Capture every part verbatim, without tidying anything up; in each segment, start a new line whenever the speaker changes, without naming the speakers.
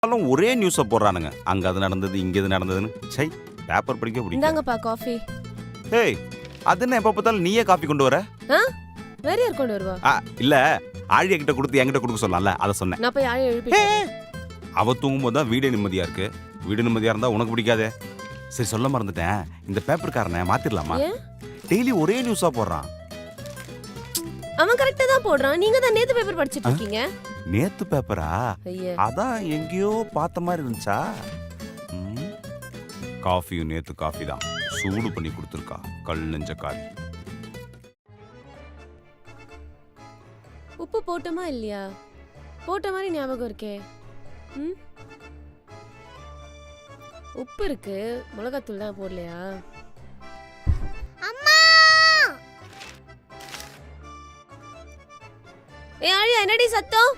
ஒரே நியூஸை போடுறானுங்க. அங்க அது நடந்தது, இங்க இது நடந்ததுன்னு. சை, பேப்பர் படிக்க பிடிக்கும்.
இந்தாங்கப்பா காஃபி.
ஏய், அது என்ன எப்ப பார்த்தாலும் நீயே காபி கொண்டு வர?
ஆ? வேற யார் கொண்டு வருவா?
ஆ, இல்ல ஆழியா கிட்ட கொடுத்து என்கிட்ட கொடுக்க சொல்லலாம்ல, அத சொன்னேன்.
நான் போய் ஆழி எழுப்பிட்டேன்.
அவ தூங்கும்போது தான் வீடே நிம்மதியா இருக்கு. வீடு நிம்மதியா இருந்தா உனக்கு பிடிக்காதே. சரி, சொல்ல மறந்துட்டேன். இந்த பேப்பர்காரனை மாத்திரலாமா? டெய்லி ஒரே நியூஸா போடுறான்.
அவன் கரெக்ட்டா தான் போடுறான். நீங்க தான் நேத்து பேப்பர் படிச்சிட்டு இருக்கீங்க.
நேத்து பேப்பரா?
ஐயா.
அதான் எங்கேயோ பார்த்த மாதிரி இருந்துச்சா? காஃபியும் நேத்து காஃபி தான். சூடு பண்ணி கொடுத்துருக்கா கல் நெஞ்ச காரி.
உப்பு போட்டோமா இல்லையா? போட்ட மாதிரி ஞாபகம் இருக்கே. ம்? உப்பு இருக்கு, மிளகாத்தூள் தான் போடலையா?
அம்மா!
ஏய் ஆழியா, என்னடி சத்தம்?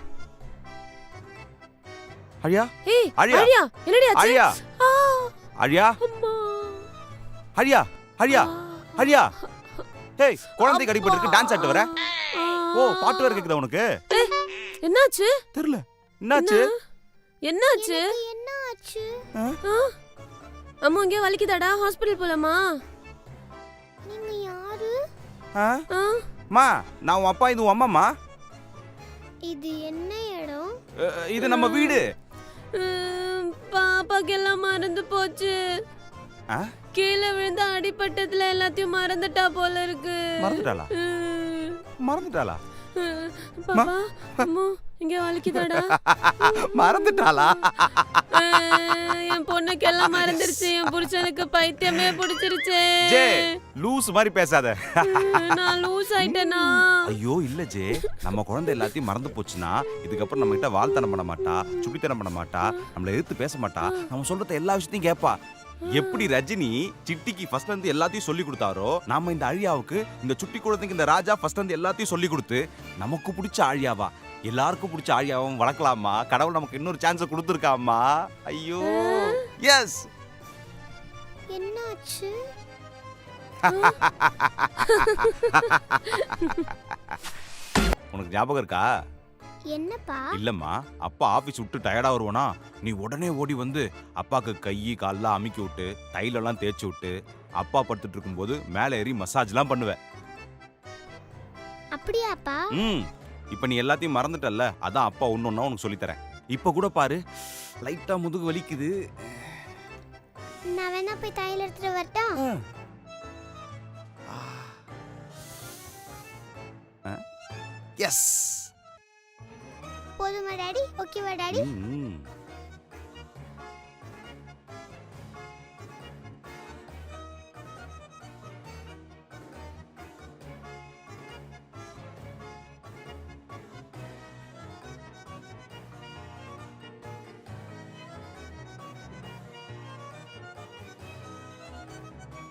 அழியா?
ஏய்
ஆழியா?
ஆழியா, என்னடி ஆச்சு?
அழியா?
ஆ!
அழியா?
அம்மா!
அழியா? அழியா?
ஆ!
அழியா? ஏய், குழந்தை கடிபட்டு இருக்கு, டான்ஸ் ஆட்டு வர?
ஆ!
ஓ, பாட்டு வேற கேக்குதா உனக்கு?
ஏய், என்னாச்சு?
தெரியல. என்னாச்சு?
என்னாச்சு?
எனக்கு என்ன ஆச்சு?
ஆ? அம்மா இங்கே வலிக்குதாடா? ஹாஸ்பிடல் போலாமா?
நீங்க யாரு?
ஆ?
ஆ?
மா, நான் உன் அப்பா, இது உன் அம்மாமா?
இது என்ன இடம்?
அஹ், இது நம்ம வீடு.
ம், பாப்பாக்கு எல்லாம் மறந்து போச்சு.
ஆ?
கீழே விழுந்து அடிபட்டதுல எல்லாத்தையும் மறந்துட்டா போல இருக்கு.
மறந்துட்டாளா?
ம்.
மறந்துட்டாளா?
ம். பாப்பா, அம்மா இங்க வலிக்குதாடா?
மறந்துட்டாளா?
அஹ், என் பொண்ணுக்கு எல்லாம் மறந்துருச்சு. என் புருஷனுக்கு பைத்தியமே பிடிச்சிருச்சு.
ஜே, லூஸ் மாதிரி பேசாத.
ம், நான் லூஸ் ஆயிட்டேனா?
ஐயோ இல்ல ஜே, நம்ம குழந்தை எல்லாத்தையும் மறந்து போச்சுன்னா இதுக்கப்புறம் நம்ம கிட்ட வாழ்த்தனம் பண்ண மாட்டா, சுட்டித்தனம் பண்ண மாட்டா, நம்மள எதிர்த்து பேச மாட்டா, நம்ம சொல்றத எல்லா விஷயத்தையும் கேட்பா. எப்படி ரஜினி சிட்டிக்கு ஃபர்ஸ்ட் வந்து எல்லாத்தையும் சொல்லி கொடுத்தாரோ, நாம இந்த அழியாவுக்கு, இந்த சுட்டி குழந்தைக்கு இந்த ராஜா ஃபர்ஸ்ட் வந்து எல்லாத்தையும் சொல்லி கொடுத்து நமக்கு பிடிச்ச ஆழியாவா, எல்லாருக்கும் பிடிச்ச ஆழியாவும் வளர்க்கலாமா? கடவுள் நமக்கு இன்னொரு சான்ஸ் கொடுத்துருக்காமா. ஐயோ எஸ்.
என்னாச்சு?
உனக்கு ஞாபகம் இருக்கா?
என்னப்பா?
இல்லம்மா, அப்பா ஆபீஸ் விட்டு டயர்டா வருவானா, நீ உடனே ஓடி வந்து அப்பாக்கு கை கால்லாம் அமுக்கி விட்டு தைலெல்லாம் தேய்ச்சி விட்டு அப்பா படுத்துட்டு இருக்கும்போது மேலே ஏறி மசாஜ்லாம் பண்ணுவேன்.
அப்படியாப்பா?
ம், இப்போ நீ எல்லாத்தையும் மறந்துட்டல்ல, அதான் அப்பா ஒன்னொன்னா உனக்கு சொல்லித்தரேன். இப்போ கூட பாரு, லைட்டா முதுகு வலிக்குது.
நான் வேணா போய் தையல் எடுத்துட்டு வரட்டா?
எஸ்.
போதுமா டாடி? ஓகேவா டாடி?
ம்